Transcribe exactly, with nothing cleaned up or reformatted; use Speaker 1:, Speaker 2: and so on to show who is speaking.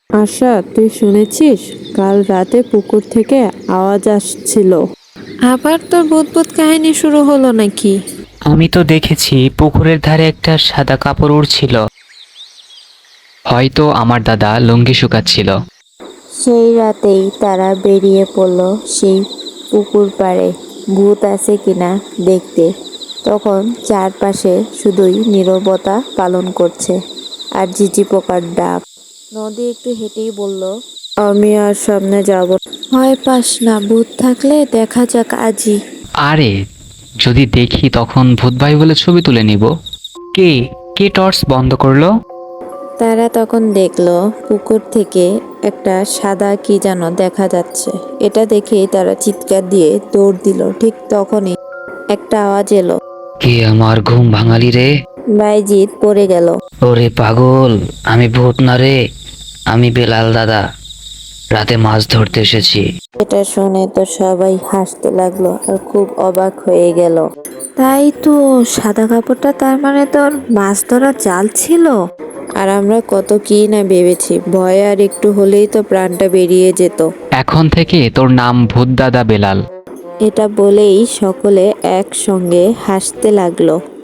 Speaker 1: আশা, তুই শুনেছিস? কাল রাতে পুকুর থেকে আওয়াজ আসছিল। আবার তোর ভূত কাহিনী শুরু হলো নাকি?
Speaker 2: আমি তো দেখেছি পুকুরের ধারে একটা সাদা কাপড় উড়ছিল। হয়তো আমার দাদা লুঙ্গি শুকাচ্ছিল।
Speaker 3: সেই রাতেই তারা বেরিয়ে পড়ল সেই পুকুর পাড়ে ভূত আছে কিনা দেখতে। তখন চারপাশে শুধুই নীরবতা পালন করছে আর ঝিঝি পোকার ডাক। নদী একটু হেঁটেই বলল,
Speaker 1: আমি আর সামনে যাব না। ভয় পাস না, ভূত থাকলে দেখা যাক আজই।
Speaker 2: আরে, যদি দেখি তখন ভূত ভাই বলে ছবি তুলে নিব। কে কে টর্চ বন্ধ করলো?
Speaker 1: তারা তখন দেখলো পুকুর থেকে একটা সাদা কি যেন দেখা যাচ্ছে। এটা দেখেই তারা চিৎকার দিয়ে দৌড় দিল। ঠিক তখনই একটা আওয়াজ এলো,
Speaker 2: কে আমার ঘুম ভাঙালি রে?
Speaker 1: বাইজিৎ পড়ে গেল।
Speaker 2: ওরে পাগল, আমি ভূত না রে, আমি বেলাল দাদা, রাতে মাছ ধরতে এসেছি।
Speaker 1: এটা শুনে তো সবাই হাসতে লাগলো আর খুব অবাক হয়ে গেল। তাই তো, সাদা কাপড়টা তার মানে তোর মাছ ধরা জাল ছিল। আর আমরা কত কি না ভেবেছি, ভয় আর একটু হলেই তো প্রাণটা বেরিয়ে যেত।
Speaker 2: এখন থেকে তোর নাম ভূত দাদা বেলাল।
Speaker 1: এটা বলেই সকলে একসঙ্গে হাসতে লাগলো।